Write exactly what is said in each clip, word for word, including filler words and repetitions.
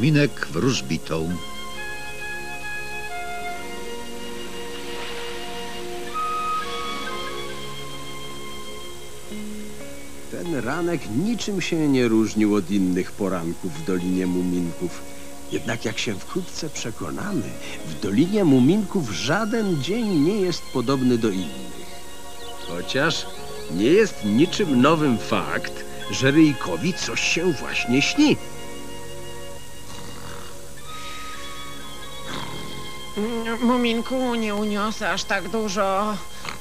muminek wróżbitą. Ten ranek niczym się nie różnił od innych poranków w Dolinie Muminków. Jednak jak się wkrótce przekonamy, w Dolinie Muminków żaden dzień nie jest podobny do innych. Chociaż nie jest niczym nowym fakt, że Ryjkowi coś się właśnie śni. Muminku, nie uniosę aż tak dużo.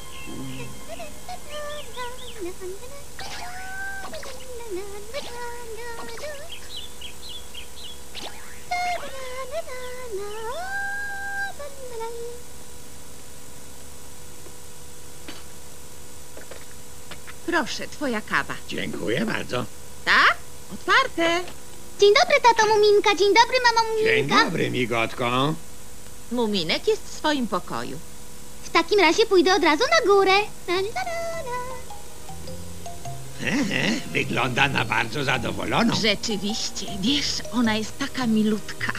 Proszę, twoja kawa. Dziękuję bardzo. Tak? Otwarte. Dzień dobry, tato Muminka. Dzień dobry, mamo Dzień Muminka. dobry, migotko. Muminek jest w swoim pokoju. W takim razie pójdę od razu na górę. La, la, la, la. Ehe, wygląda na bardzo zadowoloną. Rzeczywiście, wiesz, ona jest taka milutka.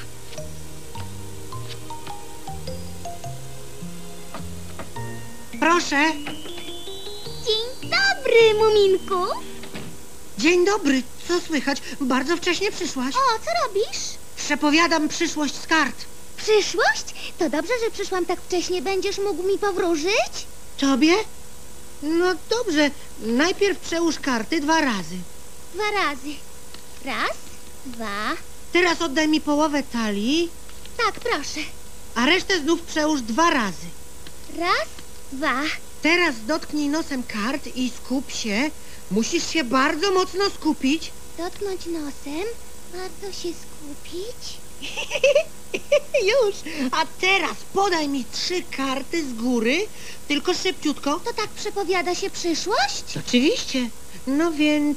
Proszę. Dzień dobry, Muminku. Dzień dobry. Co słychać? Bardzo wcześnie przyszłaś. O, co robisz? Przepowiadam przyszłość z kart. Przyszłość? To dobrze, że przyszłam tak wcześnie. Będziesz mógł mi powróżyć? Tobie? No dobrze. Najpierw przełóż karty dwa razy. Dwa razy. Raz, dwa. Teraz oddaj mi połowę talii, Tak, proszę. a resztę znów przełóż dwa razy. Raz, dwa. Teraz dotknij nosem kart i skup się. Musisz się bardzo mocno skupić. Dotknąć nosem. Bardzo się skupić. Już. A teraz podaj mi trzy karty z góry, tylko szybciutko. To tak przepowiada się przyszłość? Oczywiście. No więc...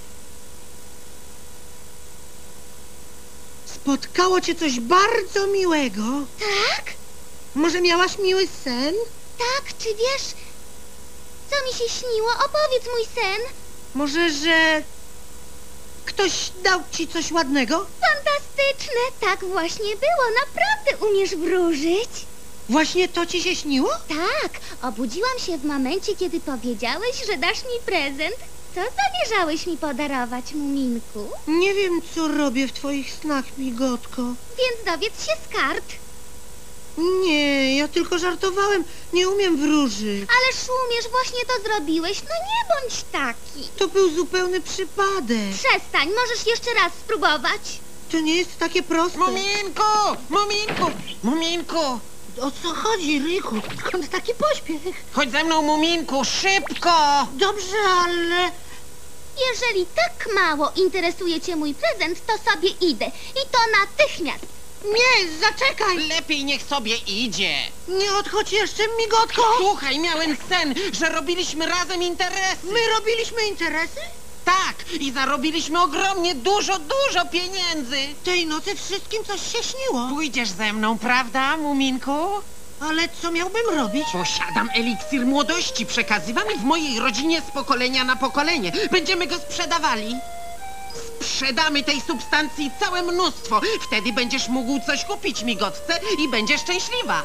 Spotkało cię coś bardzo miłego. Tak? Może miałaś miły sen? Tak, czy wiesz, co mi się śniło? Opowiedz mój sen. Może, że... Ktoś dał ci coś ładnego? Fantastyczne. Tak właśnie było. Naprawdę umiesz wróżyć. Właśnie to ci się śniło? Tak, obudziłam się w momencie, kiedy powiedziałeś, że dasz mi prezent. Co zamierzałeś mi podarować, Muminku? Nie wiem, co robię w twoich snach, migotko. Więc dowiedz się z kart. Nie, ja tylko żartowałem. Nie umiem wróżyć. Ależ umiesz, właśnie to zrobiłeś. No nie bądź taki. To był zupełny przypadek. Przestań, możesz jeszcze raz spróbować. To nie jest takie proste. Muminku! Muminku! Muminku! O co chodzi, Ryjku? Skąd taki pośpiech? Chodź ze mną, Muminku, szybko! Dobrze, ale... Jeżeli tak mało interesuje cię mój prezent, to sobie idę. I to natychmiast. Nie, zaczekaj! Lepiej niech sobie idzie. Nie odchodź jeszcze, migotko! Słuchaj, miałem sen, że robiliśmy razem interesy. My robiliśmy interesy? Tak, i zarobiliśmy ogromnie dużo, dużo pieniędzy. Tej nocy wszystkim coś się śniło. Pójdziesz ze mną, prawda, Muminku? Ale co miałbym robić? Posiadam eliksir młodości, przekazywany w mojej rodzinie z pokolenia na pokolenie. Będziemy go sprzedawali. Sprzedamy tej substancji całe mnóstwo. Wtedy będziesz mógł coś kupić, migotce, i będziesz szczęśliwa.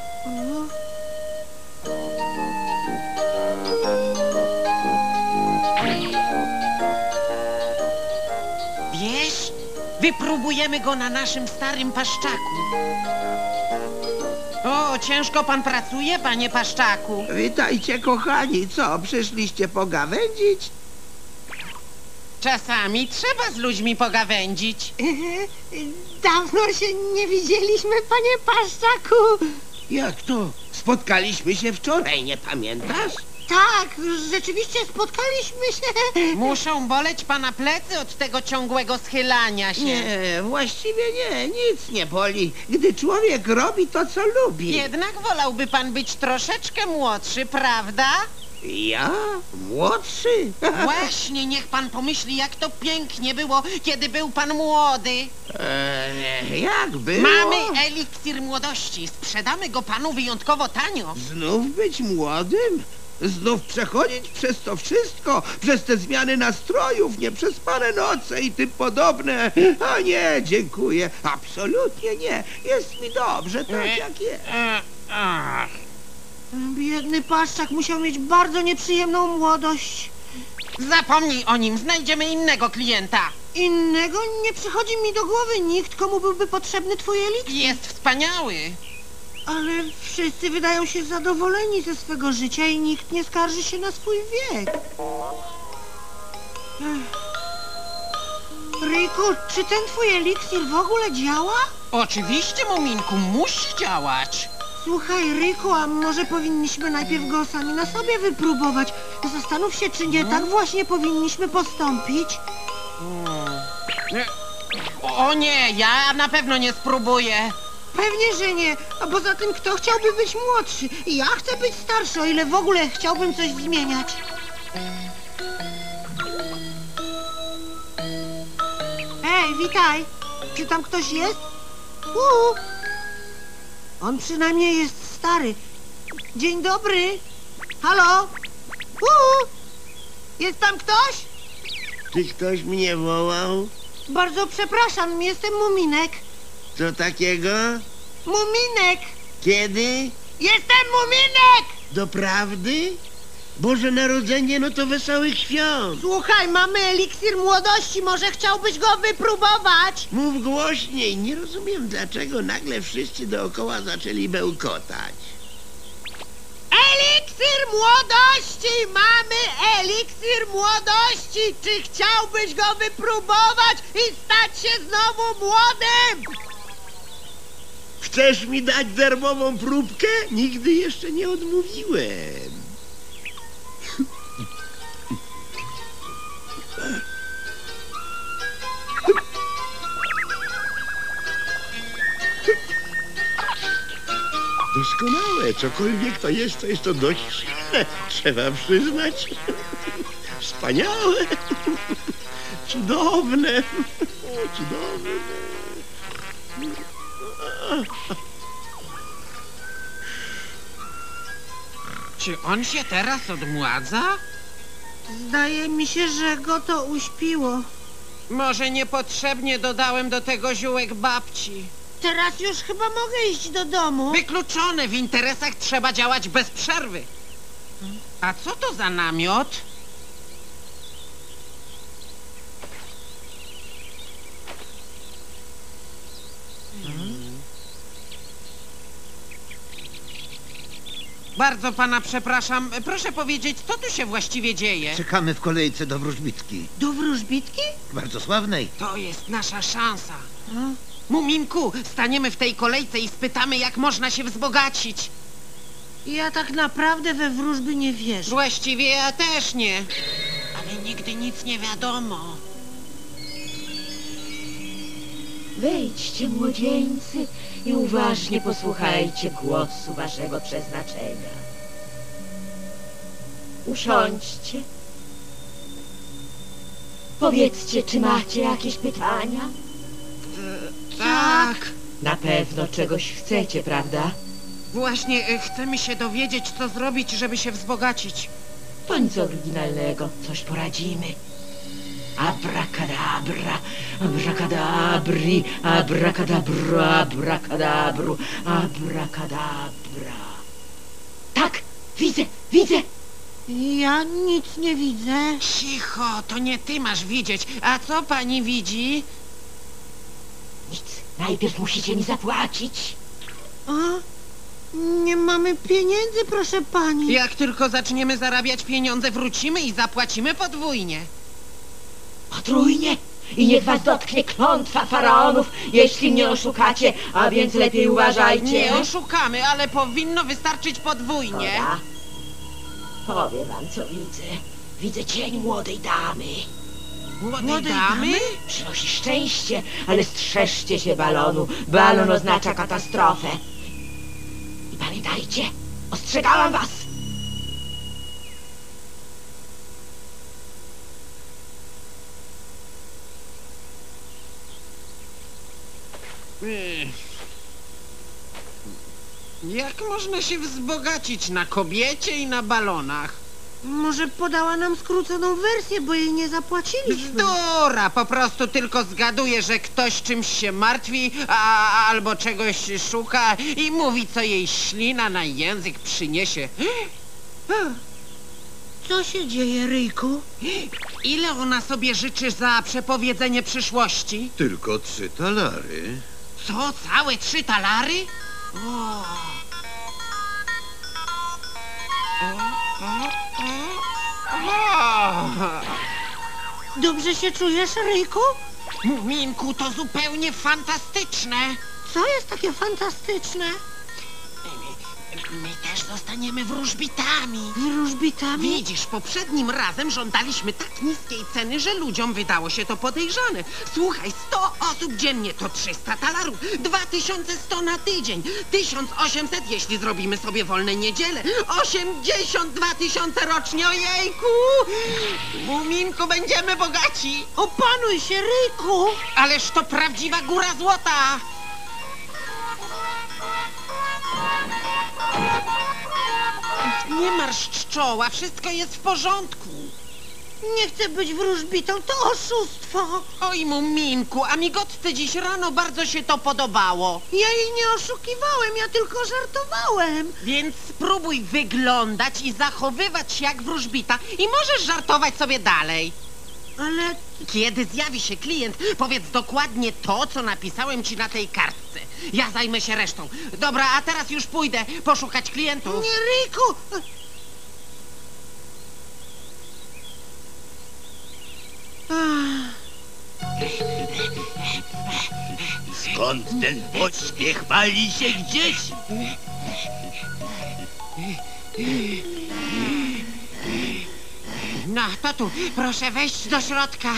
Wiesz, wypróbujemy go na naszym starym paszczaku. O, ciężko pan pracuje, panie paszczaku. Witajcie, kochani. Co, przyszliście pogawędzić? Czasami trzeba z ludźmi pogawędzić. Dawno się nie widzieliśmy, panie Paszczaku. Jak to? Spotkaliśmy się wczoraj, nie pamiętasz? Tak, rzeczywiście spotkaliśmy się. Muszą boleć pana plecy od tego ciągłego schylania się. Nie, właściwie nie, nic nie boli, gdy człowiek robi to, co lubi. Jednak wolałby pan być troszeczkę młodszy, prawda? Ja? Młodszy? Właśnie, niech pan pomyśli, jak to pięknie było, kiedy był pan młody. Eee, jak było? Mamy eliksir młodości. Sprzedamy go panu wyjątkowo tanio. Znów być młodym? Znów przechodzić przez to wszystko, przez te zmiany nastrojów, nieprzespane noce i tym podobne. A nie, dziękuję. Absolutnie nie. Jest mi dobrze, tak jak jest. E, ach. Biedny paszczak musiał mieć bardzo nieprzyjemną młodość. Zapomnij o nim, znajdziemy innego klienta. Innego nie przychodzi mi do głowy nikt, komu byłby potrzebny twój eliksir. Jest wspaniały. Ale wszyscy wydają się zadowoleni ze swego życia i nikt nie skarży się na swój wiek. Ech. Riku, czy ten twój eliksir w ogóle działa? Oczywiście, Muminku, musi działać. Słuchaj, Riku, a może powinniśmy najpierw go sami na sobie wypróbować? Zastanów się, czy nie tak właśnie powinniśmy postąpić. E, O nie, ja na pewno nie spróbuję. Pewnie, że nie. A poza tym, kto chciałby być młodszy? Ja chcę być starszy, o ile w ogóle chciałbym coś zmieniać. Hej, witaj. Czy tam ktoś jest? Uuu. On przynajmniej jest stary. Dzień dobry. Halo? Uuu. Jest tam ktoś? Czy ktoś mnie wołał? Bardzo przepraszam, jestem Muminek. Co takiego? Muminek! Kiedy? Jestem Muminek! Doprawdy? Boże Narodzenie, no to wesołych świąt. Słuchaj, mamy eliksir młodości, może chciałbyś go wypróbować? Mów głośniej, nie rozumiem dlaczego nagle wszyscy dookoła zaczęli bełkotać. Eliksir młodości! Mamy eliksir młodości! Czy chciałbyś go wypróbować i stać się znowu młodym? Chcesz mi dać darmową próbkę? Nigdy jeszcze nie odmówiłem. Doskonałe, cokolwiek to jest, to jest to dość silne, trzeba przyznać. Wspaniałe, cudowne, cudowne. Czy on się teraz odmładza? Zdaje mi się, że go to uśpiło. Może niepotrzebnie dodałem do tego ziółek babci. Teraz już chyba mogę iść do domu. Wykluczone, w interesach trzeba działać bez przerwy. A co to za namiot? Bardzo pana przepraszam. Proszę powiedzieć, co tu się właściwie dzieje? Czekamy w kolejce do wróżbitki. Do wróżbitki? Bardzo sławnej. To jest nasza szansa. Muminku, staniemy w tej kolejce i spytamy, jak można się wzbogacić. Ja tak naprawdę we wróżby nie wierzę. Właściwie ja też nie. Ale nigdy nic nie wiadomo. Wejdźcie, młodzieńcy, i uważnie posłuchajcie głosu waszego przeznaczenia. Usiądźcie. Powiedzcie, czy macie jakieś pytania? Tak. Na pewno czegoś chcecie, prawda? Właśnie e, chcemy się dowiedzieć, co zrobić, żeby się wzbogacić. To nic oryginalnego, coś poradzimy. Abracadabra, abracadabri, abracadabra, abracadabru, abracadabra. Tak, widzę, widzę. Ja nic nie widzę. Cicho, to nie ty masz widzieć. A co pani widzi? Nic, najpierw musicie mi zapłacić. A? Nie mamy pieniędzy, proszę pani. Jak tylko zaczniemy zarabiać pieniądze, wrócimy i zapłacimy podwójnie. Potrójnie. I niech was dotknie klątwa faraonów, jeśli mnie oszukacie, a więc lepiej uważajcie. Nie oszukamy, ale powinno wystarczyć podwójnie. Dobra. Powiem wam, co widzę. Widzę cień młodej damy. Młodej damy? Przynosi szczęście, ale strzeżcie się balonu. Balon oznacza katastrofę. I pamiętajcie, ostrzegałam was. Jak można się wzbogacić na kobiecie i na balonach? Może podała nam skróconą wersję, bo jej nie zapłaciliśmy. Bzdura! Po prostu tylko zgaduje, że ktoś czymś się martwi, a, albo czegoś szuka i mówi, co jej ślina na język przyniesie. Co się dzieje, Ryjku? Ile ona sobie życzy za przepowiedzenie przyszłości? Tylko trzy talary. Co? Całe trzy talary? O. Dobrze się czujesz, Ryjku? Muminku, to zupełnie fantastyczne. Co jest takie fantastyczne? My też zostaniemy wróżbitami. Wróżbitami? Widzisz, poprzednim razem żądaliśmy tak niskiej ceny, że ludziom wydało się to podejrzane. Słuchaj, sto osób dziennie to trzysta talarów, dwa tysiące sto na tydzień, tysiąc osiemset jeśli zrobimy sobie wolne niedziele, osiemdziesiąt dwa tysiące rocznie, ojejku! Muminku, będziemy bogaci. Opanuj się, Ryjku! Ależ to prawdziwa góra złota. Nie marszcz czoła, wszystko jest w porządku. Nie chcę być wróżbitą, to oszustwo! Oj, Muminku, a migotce dziś rano bardzo się to podobało. Ja jej nie oszukiwałem, ja tylko żartowałem. Więc spróbuj wyglądać i zachowywać się jak wróżbita i możesz żartować sobie dalej. Ale Kiedy zjawi się klient, powiedz dokładnie to, co napisałem ci na tej kartce. Ja zajmę się resztą. Dobra, a teraz już pójdę poszukać klientów. nie, Ryjku! Skąd ten pośpiech pali się gdzieś? No, to tu, proszę wejść do środka.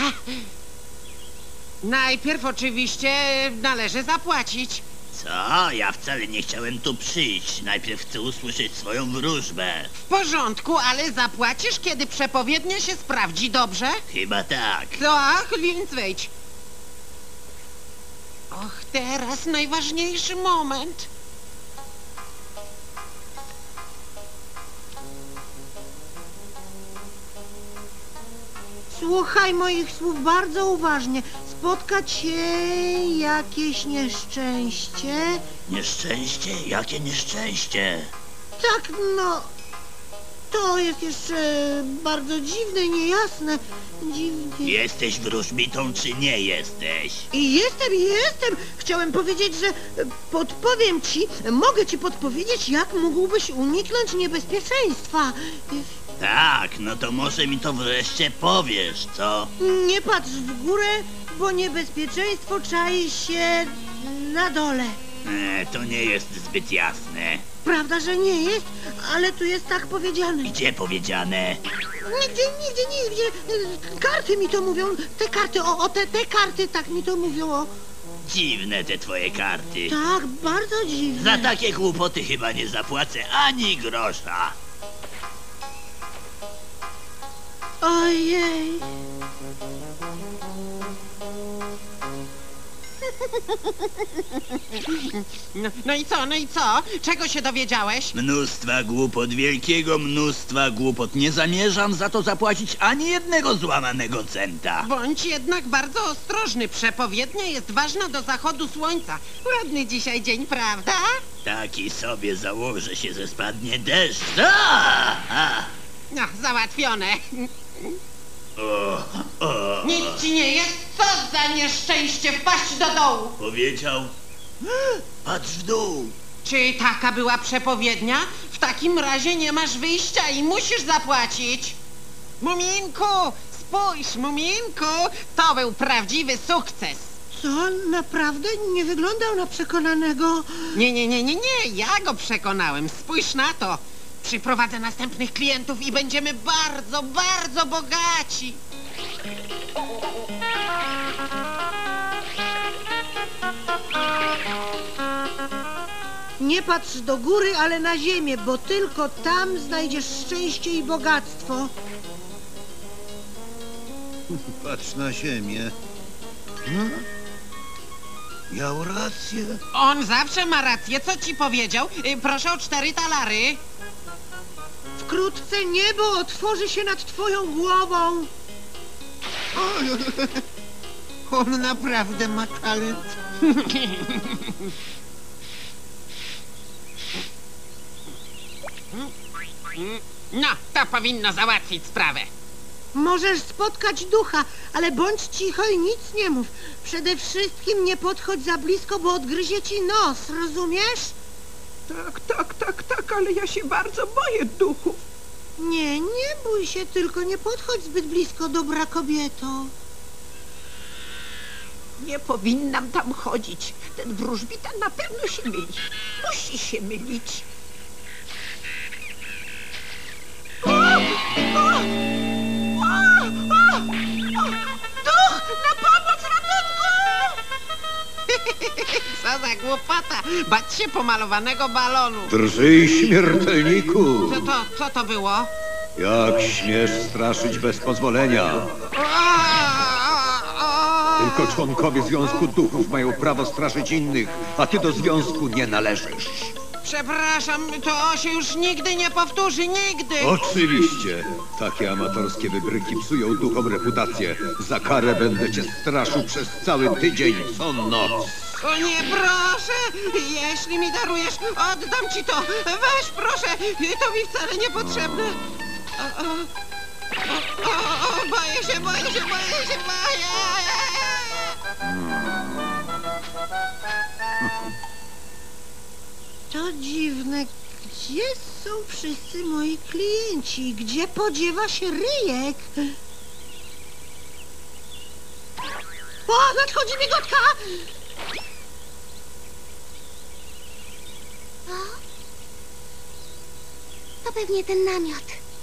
Najpierw oczywiście należy zapłacić. Co? Ja wcale nie chciałem tu przyjść. Najpierw chcę usłyszeć swoją wróżbę. W porządku, ale zapłacisz, kiedy przepowiednia się sprawdzi, dobrze? Chyba tak. Tak, więc wejdź. Och, teraz najważniejszy moment. Słuchaj moich słów bardzo uważnie. Spotka cię jakieś nieszczęście? Nieszczęście? Jakie nieszczęście? Tak, no... To jest jeszcze bardzo dziwne, niejasne. Dziwnie. Jesteś wróżbitą, czy nie jesteś? I jestem, jestem. Chciałem powiedzieć, że podpowiem ci, mogę ci podpowiedzieć, jak mógłbyś uniknąć niebezpieczeństwa. Tak, no to może mi to wreszcie powiesz, co? Nie patrz w górę, bo niebezpieczeństwo czai się na dole. E, to nie jest zbyt jasne. Prawda, że nie jest, ale tu jest tak powiedziane. Gdzie powiedziane? Nigdzie, nigdzie, nigdzie. Karty mi to mówią. Te karty, o, o te, te karty tak mi to mówią. O. Dziwne te twoje karty. Tak, bardzo dziwne. Za takie głupoty chyba nie zapłacę ani grosza. Ojej. No, no i co, no i co? Czego się dowiedziałeś? Mnóstwa głupot, wielkiego mnóstwa głupot. Nie zamierzam za to zapłacić ani jednego złamanego centa. Bądź jednak bardzo ostrożny. Przepowiednia jest ważna do zachodu słońca. Ładny dzisiaj dzień, prawda? Taki sobie założę się, że spadnie deszcz. A! A! No, załatwione. O, o. Nic ci nie jest? Co za nieszczęście wpaść do dołu? Powiedział. Patrz w dół. Czy taka była przepowiednia? W takim razie nie masz wyjścia i musisz zapłacić. Muminku, spójrz, Muminku, to był prawdziwy sukces. Co? Naprawdę? Nie wyglądał na przekonanego. Nie, nie, nie, nie, nie, ja go przekonałem. Spójrz na to. Przyprowadzę następnych klientów i będziemy bardzo, bardzo bogaci. Nie patrz do góry, ale na ziemię, bo tylko tam znajdziesz szczęście i bogactwo. Patrz na ziemię. Miał rację. On zawsze ma rację. Co ci powiedział? Y, Proszę o cztery talary. Wkrótce niebo otworzy się nad twoją głową. On naprawdę ma talent. No, to powinno załatwić sprawę. Możesz spotkać ducha, ale bądź cicho i nic nie mów. Przede wszystkim nie podchodź za blisko, bo odgryzie ci nos, rozumiesz? Tak, tak, tak, tak, ale ja się bardzo boję duchów. Nie, nie bój się, tylko nie podchodź zbyt blisko, dobra kobieto. Nie powinnam tam chodzić. Ten wróżbita na pewno się myli. Musi się mylić. O! O! O! O! O! Duch! Na pomoc, ratunku! Co za głupota! Bać się pomalowanego balonu. Drżyj, śmiertelniku! Co to, co to było? Jak śmiesz straszyć bez pozwolenia? Tylko członkowie Związku Duchów mają prawo straszyć innych, a ty do związku nie należysz. Przepraszam, to się już nigdy nie powtórzy, nigdy! Oczywiście. Takie amatorskie wybryki psują duchom reputację. Za karę będę cię straszył przez cały tydzień, co noc. O nie, proszę! Jeśli mi darujesz, oddam ci to! Weź, proszę! To mi wcale niepotrzebne! O, o, o, o, o, boję się, boję się, boję się, boję! To dziwne. Gdzie są wszyscy moi klienci? Gdzie podziewa się ryjek? O, nadchodzi migotka! O? To pewnie ten namiot.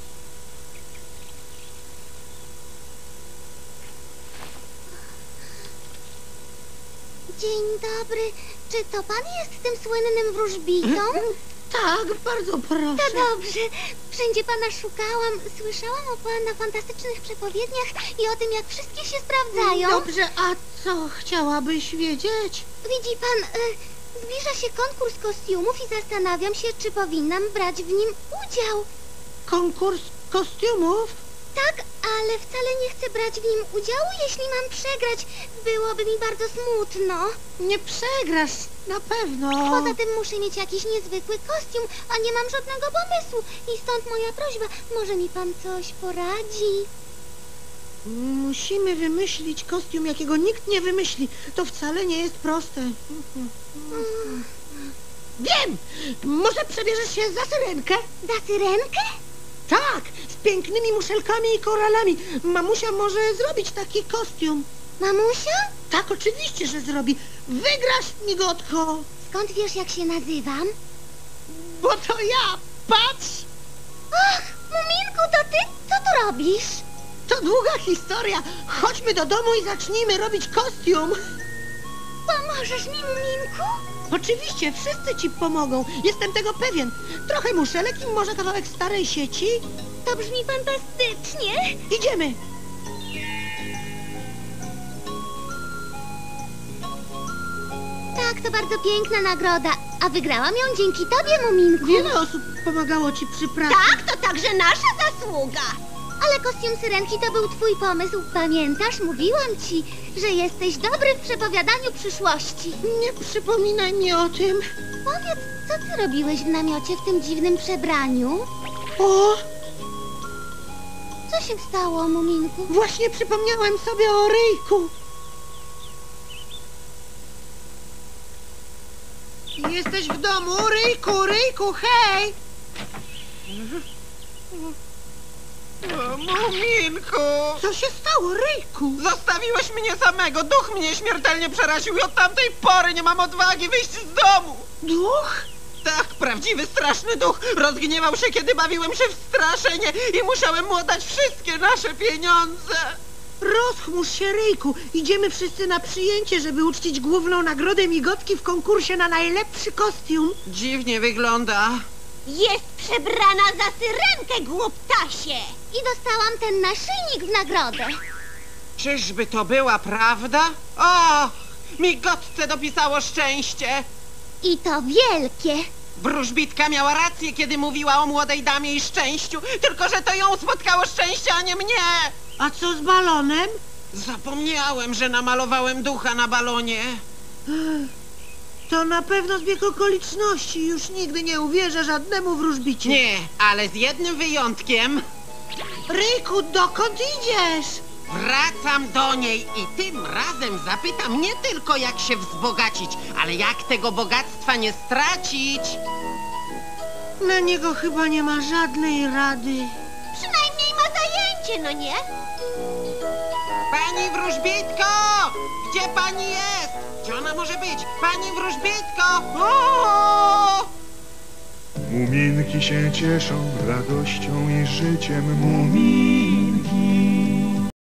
Dzień dobry. Czy to pan jest tym słynnym wróżbitą? Tak, bardzo proszę. To dobrze. Wszędzie pana szukałam. Słyszałam o pana fantastycznych przepowiedniach i o tym, jak wszystkie się sprawdzają. Dobrze, a co chciałabyś wiedzieć? Widzi pan, y, zbliża się konkurs kostiumów i zastanawiam się, czy powinnam brać w nim udział. Konkurs kostiumów? Tak, ale wcale nie chcę brać w nim udziału, jeśli mam przegrać. Byłoby mi bardzo smutno. Nie przegrasz, na pewno. Poza tym muszę mieć jakiś niezwykły kostium, a nie mam żadnego pomysłu. I stąd moja prośba, może mi pan coś poradzi? Musimy wymyślić kostium, jakiego nikt nie wymyśli. To wcale nie jest proste. Wiem! Może przebierzesz się za syrenkę? Za syrenkę? Tak, z pięknymi muszelkami i koralami. Mamusia może zrobić taki kostium. Mamusia? Tak, oczywiście, że zrobi. Wygrasz, migotko. Skąd wiesz, jak się nazywam? Bo to ja, patrz! Ach, Muminku, to ty? Co tu robisz? To długa historia. Chodźmy do domu i zacznijmy robić kostium. Pomożesz mi, Muminku? Oczywiście, wszyscy ci pomogą. Jestem tego pewien. Trochę muszelek i może kawałek starej sieci. To brzmi fantastycznie. Idziemy. Tak, to bardzo piękna nagroda. A wygrałam ją dzięki tobie, Muminku. Wiele osób pomagało ci przy pracy. Tak, to także nasza zasługa. Ale kostium syrenki to był twój pomysł. Pamiętasz? Mówiłam ci, że jesteś dobry w przepowiadaniu przyszłości. Nie przypominaj mi o tym. Powiedz, co ty robiłeś w namiocie w tym dziwnym przebraniu? O, Co się stało, Muminku? właśnie przypomniałem sobie o ryjku. Jesteś w domu, ryjku, ryjku, hej! O, Muminku! Co się stało, ryjku? Zostawiłeś mnie samego, duch mnie śmiertelnie przeraził i od tamtej pory nie mam odwagi wyjść z domu! Duch? Tak, prawdziwy, straszny duch rozgniewał się, kiedy bawiłem się w straszenie i musiałem mu oddać wszystkie nasze pieniądze! Rozchmurz się, ryjku. Idziemy wszyscy na przyjęcie, żeby uczcić główną nagrodę migotki w konkursie na najlepszy kostium. Dziwnie wygląda. Jest przebrana za syrenkę, głuptasie! I dostałam ten naszyjnik w nagrodę. Czyżby to była prawda? O, Migotce dopisało szczęście. I to wielkie. Wróżbitka miała rację, kiedy mówiła o młodej damie i szczęściu. Tylko że to ją spotkało szczęście, a nie mnie. A co z balonem? Zapomniałem, że namalowałem ducha na balonie. To na pewno zbieg okoliczności. Już nigdy nie uwierzę żadnemu wróżbicie. Nie, ale z jednym wyjątkiem. Ryjku, dokąd idziesz? Wracam do niej i tym razem zapytam nie tylko jak się wzbogacić, ale jak tego bogactwa nie stracić. Na niego chyba nie ma żadnej rady. Przynajmniej ma zajęcie, no nie? Pani wróżbitko! Gdzie pani jest? Gdzie ona może być? Pani wróżbitko! O! Muminki się cieszą radością i życiem. Muminki